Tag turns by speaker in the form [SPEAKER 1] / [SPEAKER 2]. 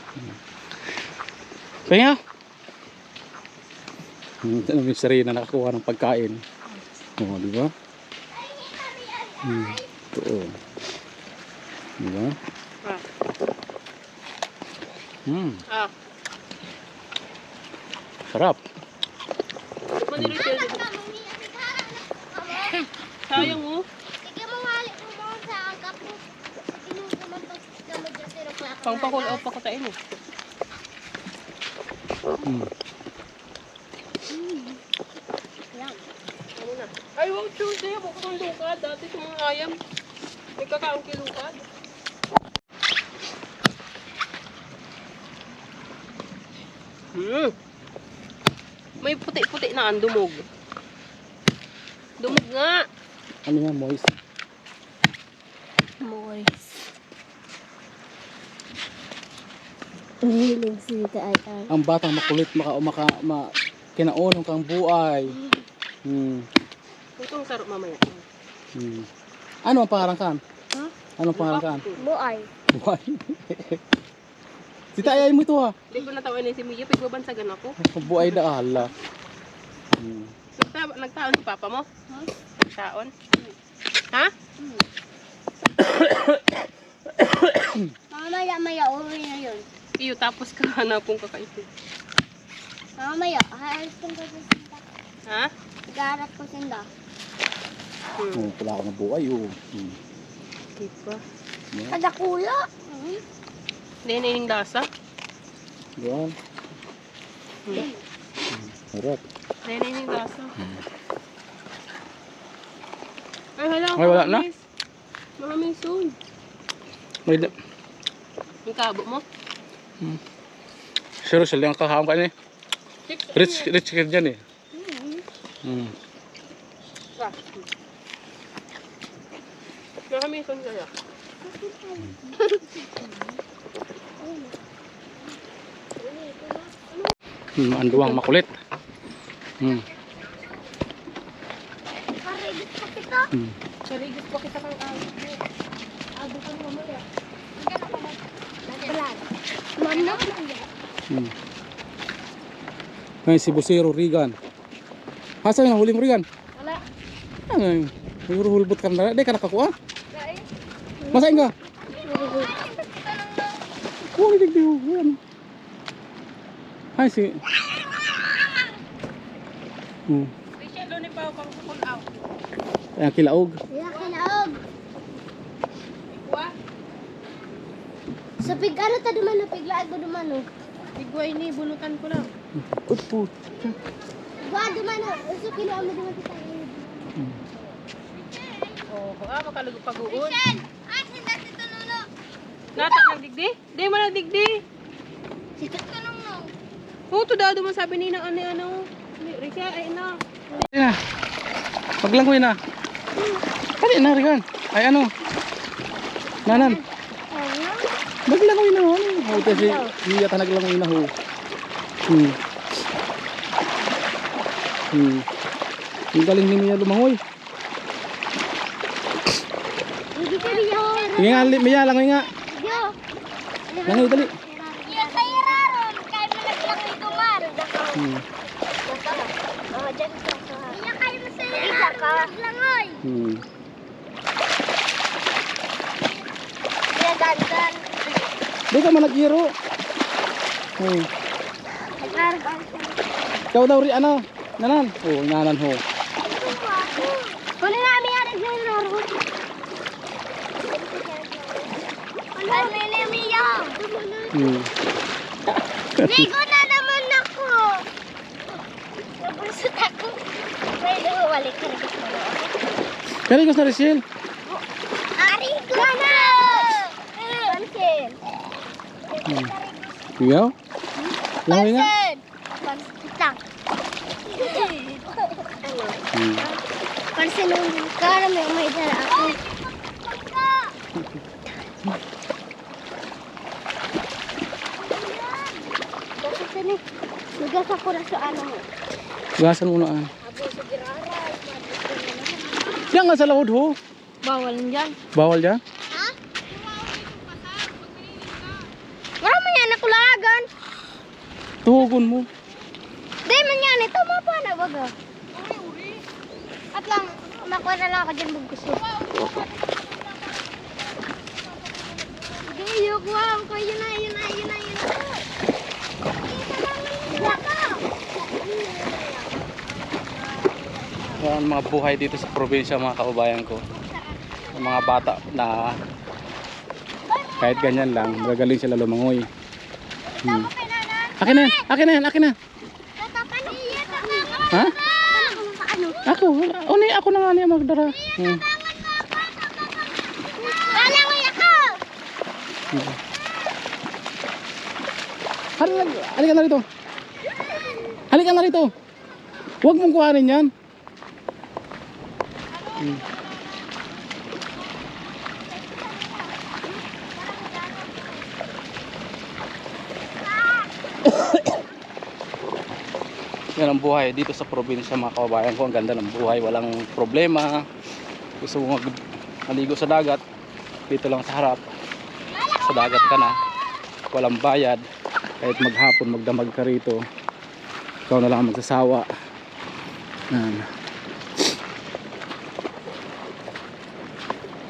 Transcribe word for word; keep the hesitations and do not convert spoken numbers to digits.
[SPEAKER 1] Kaya hmm, ano yung sarili na nakakuha ng pagkain. Oo, di ba? Hmm, ito. Di ba?
[SPEAKER 2] Ah.
[SPEAKER 1] Hmm,
[SPEAKER 2] Ah.
[SPEAKER 1] sarap.
[SPEAKER 2] Maniro siya. Sayang mo. Pangpakulaw pa ko tayo mo.
[SPEAKER 1] Hmm.
[SPEAKER 2] Ay, wow, Tuesday. Bukod ang lukad. Dati sa mga ayam. May kakaang kilukad. Hmm. May puti-puti na ang dumog. Dumog nga.
[SPEAKER 1] Ano yan, moist?
[SPEAKER 3] Moist. Mahilig sita ay ay.
[SPEAKER 1] Ang batang makulit, maka, maka, ma, kinaunong kang buhay. Hmm.
[SPEAKER 2] Ito ang sarap mamaya.
[SPEAKER 1] Hmm. Ano ang pangalan kan?
[SPEAKER 2] Ha?
[SPEAKER 1] Ano ang pangalan kan?
[SPEAKER 3] Buay.
[SPEAKER 1] Buhay. Si Tayay mo ito ha.
[SPEAKER 2] Hindi ko natawa na si Mia. Pagbabansagan ako.
[SPEAKER 1] Buhay na ala. Hmm.
[SPEAKER 2] Nagta- Nagtaon si Papa mo?
[SPEAKER 3] Ha?
[SPEAKER 2] Nagtaon? Ha?
[SPEAKER 3] Mamaya maya uwi na yun.
[SPEAKER 2] Iyo, tapos ka hanapong kakaito.
[SPEAKER 3] Mamaya, halos kong kasinda.
[SPEAKER 2] Ha?
[SPEAKER 3] Garap ko sinda.
[SPEAKER 2] Hmm.
[SPEAKER 1] Oh, wala ako ng buhay oh. Hmm.
[SPEAKER 2] Okay pa.
[SPEAKER 1] Yeah.
[SPEAKER 3] Kadakula. Hmm.
[SPEAKER 2] Hindi na yung lasa.
[SPEAKER 1] Yan.
[SPEAKER 2] Hmm.
[SPEAKER 1] Harap.
[SPEAKER 2] Hindi na yung lasa. Ay, hala.
[SPEAKER 1] Ay, wala na?
[SPEAKER 2] Maraming soon.
[SPEAKER 1] May
[SPEAKER 2] Yung kabo mo?
[SPEAKER 1] sure sila ang kakaham ka niya.
[SPEAKER 2] Six.
[SPEAKER 1] Rich, rich kid dyan eh. Hmm.
[SPEAKER 2] Ah. Maraming soon kaya.
[SPEAKER 1] Hmm, anduang makulit. Hmm.
[SPEAKER 3] Karigit pa kita.
[SPEAKER 1] Hmm.
[SPEAKER 2] Sarigit pa kita kang awit mo.
[SPEAKER 3] Ado ka mamaya. Brad. Mano?
[SPEAKER 1] Hmm. Ay, si Busero Regan. Hasa yung huli mo Regan?
[SPEAKER 3] Wala.
[SPEAKER 1] Ano yung hulbot ka na? Di ka nakakuha? Masain ka? Oh, hindi ko. Yan. Ay, si... Hmm.
[SPEAKER 2] Rachel, doon ni Pao pang kukulaw.
[SPEAKER 1] Ayan, kilaog.
[SPEAKER 3] Wala kinaog.
[SPEAKER 2] Ikwa?
[SPEAKER 3] Sa pig ano ta duman no piglaag ko duman no.
[SPEAKER 2] Igway ni, bunutan ko lang.
[SPEAKER 1] Utpo.
[SPEAKER 3] Wa duman no. Uso kilo amo duman kita.
[SPEAKER 2] Oo, oh, ah, makalugog pag-uod.
[SPEAKER 3] Ay, sinda dito nuno.
[SPEAKER 2] Nata, nagdigdi? Di mo nagdigdi.
[SPEAKER 3] Sikat ka nung no.
[SPEAKER 2] Oo, to daw duman sabi ni na ano, ano. Rachel, ay na.
[SPEAKER 1] Ay na. Paglangoy na. Kali na, Regan. Ay, ano? Nanan.
[SPEAKER 3] Ano?
[SPEAKER 1] Maglangoy na. Ano? Ay, kasi hindi yata naglangoy na ho. Hmm. Hmm. Ang galing ni Mia lumangoy.
[SPEAKER 3] Hindi ka riyo.
[SPEAKER 1] Sige nga, Mia, langoy nga.
[SPEAKER 3] Yo.
[SPEAKER 1] Langoy, dali.
[SPEAKER 3] Iya kay raron kay mo naglangoy dumar.
[SPEAKER 1] Hmm.
[SPEAKER 3] Oh, diyan ka. Iya kay mo sa isa ka. Langoy.
[SPEAKER 1] Hmm.
[SPEAKER 3] Iya dandan.
[SPEAKER 1] Di ka man nag-iro. Hmm.
[SPEAKER 3] Nagkarban.
[SPEAKER 1] Ikaw daw rin, ano? Nanan. Oh, nanan ho.
[SPEAKER 3] Kuno na mi ari ng raron. Ano ni Mia?
[SPEAKER 1] Hmm.
[SPEAKER 3] Ligo na naman ako. Nabusot ako. Pwede mo balik ka rin.
[SPEAKER 1] Kali ko sa Rachel.
[SPEAKER 3] Ari ko na! Pansin.
[SPEAKER 1] Hmm. Ikaw? Langoy nga.
[SPEAKER 3] Pansin. Pansin lang.
[SPEAKER 1] Hmm.
[SPEAKER 3] Pansin nung kara may may dala ako. Bakit ni? Lugas ako na sa ano mo.
[SPEAKER 1] Gasan mo na. ah.
[SPEAKER 3] Abo sa giraray.
[SPEAKER 1] Yan nga sa laod ho.
[SPEAKER 2] Bawal dyan.
[SPEAKER 1] Bawal dyan?
[SPEAKER 3] Ha? Marami yan ako lang.
[SPEAKER 1] Tuhugon mo.
[SPEAKER 3] Di man yan, ito mo pa na baga. At lang, makuha na lang ako dyan bugkuso. Sige, yuk, wow. Yun na, yun na, yun na, yun na.
[SPEAKER 1] Yan ang mga buhay dito sa probinsya mga kaubayan ko. Ang mga bata na kahit ganyan lang, magagaling sila lumangoy. Hmm. Akin na, akin na, akin na. Ha? Ako, uni ako na nga niya magdara. Hmm. Halika, halika na rito. Halika na rito. Huwag mong kuhanin yan. Hmm. Yan ang buhay dito sa probinsya mga kababayan ko. Ang ganda ng buhay, walang problema. Gusto mo mag- maligo sa dagat, dito lang sa harap, sa dagat ka na, walang bayad. Kahit maghapon magdamag ka rito, ikaw na lang ang magsasawa. Yan.